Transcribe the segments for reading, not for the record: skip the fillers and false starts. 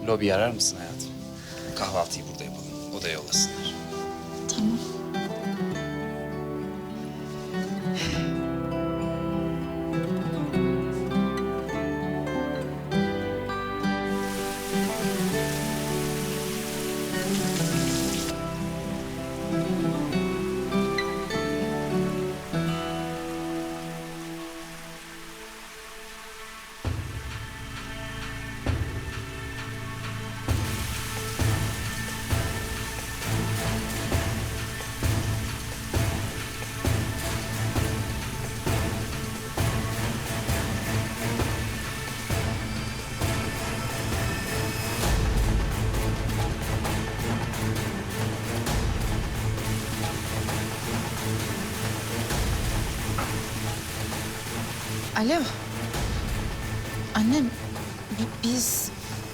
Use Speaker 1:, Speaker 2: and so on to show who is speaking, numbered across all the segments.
Speaker 1: Lobi arar mısın hayatım? Kahvaltıyı burada yapalım. Odaya yollasınlar.
Speaker 2: Tamam. Alo. Annem, biz...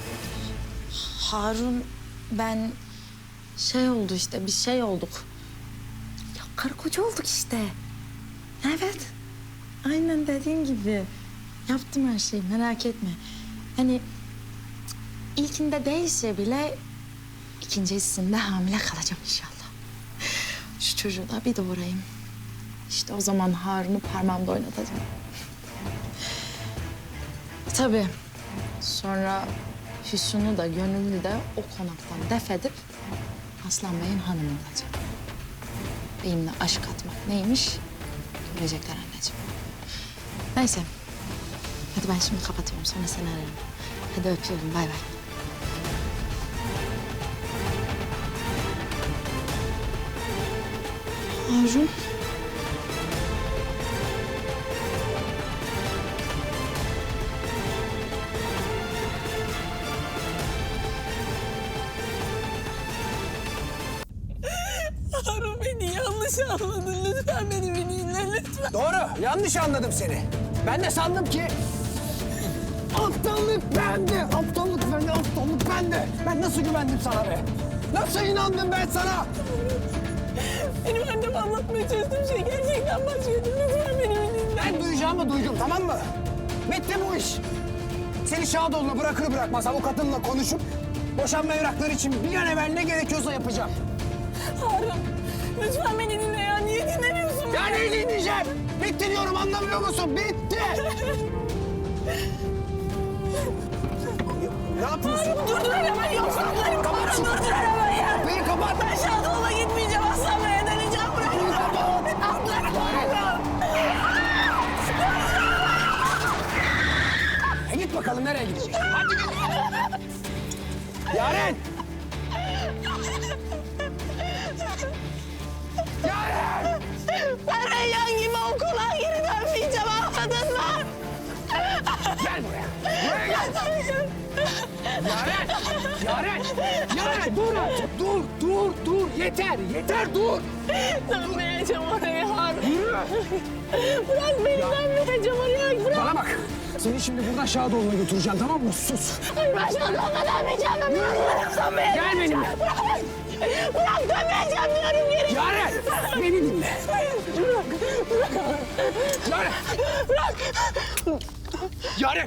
Speaker 2: Harun, ben... Şey oldu işte, bir şey olduk. Ya karı koca olduk işte. Evet. Aynen dediğin gibi. Yaptım her şeyi, merak etme. Hani... ilkinde değilse bile... ikincisinde hamile kalacağım inşallah. Şu çocuğu da bir doğurayım. İşte o zaman Harun'u parmağımda oynatacağım. Tabii. Sonra Füsun'u da Gönül'ü de o konaktan def edip Aslan Bey'in hanımı olacak. Benimle aşk atmak neymiş görecekler anneciğim. Neyse. Hadi ben şimdi kapatıyorum, sonra seni ararım. Hadi öpüyorum, bay bay. Harun.
Speaker 3: Harun, beni yanlış anladın. Lütfen beni bir dinle, lütfen.
Speaker 4: Doğru, yanlış anladım seni. Ben de sandım ki... Aptallık bende, aptallık bende, aptallık bende. Ben nasıl güvendim sana be? Nasıl inandım ben sana?
Speaker 3: Benim anneme anlatmaya çalıştığım şey gerçekten başkaydı. Lütfen beni bir dinle.
Speaker 4: Ben duyacağımı duydum, tamam mı? Bitti bu iş. Seni Şadoğlu'na bırakır bırakmaz avukatımla konuşup... boşanma evrakları için bir an evvel ne gerekiyorsa yapacağım.
Speaker 3: Harun, lütfen beni dinle ya. Niye dinlemiyorsun beni?
Speaker 4: Ya ne dinleyeceğim? Bitti diyorum, anlamıyor musun? Bitti! Ne yapıyorsun?
Speaker 3: Harun, durdur arabayı, yoksa atlarım.
Speaker 4: Kapat şunu.
Speaker 3: Durdur arabayı.
Speaker 4: Kapıyı kapat!
Speaker 3: Ben Şadoğlu'na gitmeyeceğim. Aslan Bey'e döneceğim. Bırak. Atlarım.
Speaker 4: Git bakalım nereye gidecek? Hadi git! Yaren! Yaren!
Speaker 3: Ben Reyyan gibi okula geri dönmeyeceğim. Anladın mı?
Speaker 4: Gel buraya! Buraya gel! Yaren! Yaren! Yaren dur artık! Dur! Yeter dur!
Speaker 3: Dönmeyeceğim oraya Harun.
Speaker 4: Yürü!
Speaker 3: Bırak beni, dönmeyeceğim oraya. Bırak.
Speaker 4: Bana bak! Seni şimdi buradan Şadoğlu'na götüreceğim, tamam mı? Sus!
Speaker 3: Hayır, ben Şadoğlu'na dönmeyeceğim. Dönmeyeceğim.
Speaker 4: Gel benimle!
Speaker 3: Bırak, dönmeyeceğim diyorum geri.
Speaker 4: Yaren! Beni dinle!
Speaker 3: Bırak.
Speaker 4: Yaren!
Speaker 3: Bırak.
Speaker 4: Yaren!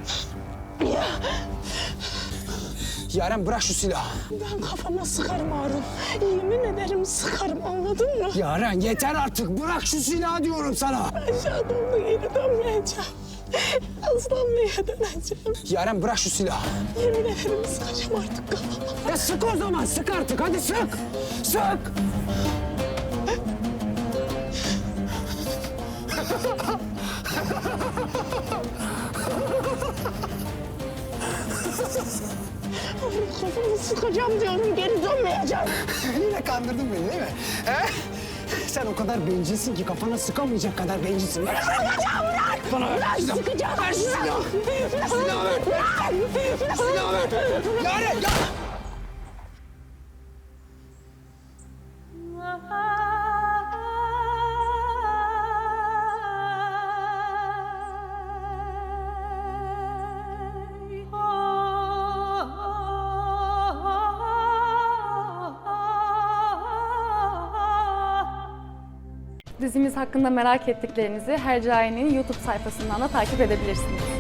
Speaker 4: Yaren bırak şu silahı.
Speaker 3: Ben kafama sıkarım Harun. Yemin ederim sıkarım, anladın mı?
Speaker 4: Yaren yeter artık. Bırak şu silahı diyorum sana.
Speaker 3: Ben Şadoğlu'na geri dönmeyeceğim. Aslan Bey'e döneceğim.
Speaker 4: Yaren bırak şu silahı.
Speaker 3: Yemin ederim sıkacağım artık kafama.
Speaker 4: Ya sık o zaman. Sık artık. Hadi sık. Sık.
Speaker 3: Kafamı sıkacağım diyorum, geri dönmeyeceğim.
Speaker 4: Yine kandırdın beni değil mi? He? Sen o kadar bencilsin ki kafana sıkamayacak kadar bencilsin. Ver.
Speaker 3: Sıkacağım, bırak!
Speaker 4: Bana ver.
Speaker 3: Bırak,
Speaker 4: Silahı.
Speaker 3: sıkacağım!
Speaker 4: Ver şu silahı. Silahı ver.
Speaker 3: Bırak!
Speaker 4: Silahı ver. Yaren ya.
Speaker 5: Dizimiz hakkında merak ettiklerinizi Hercai'nin YouTube sayfasından da takip edebilirsiniz.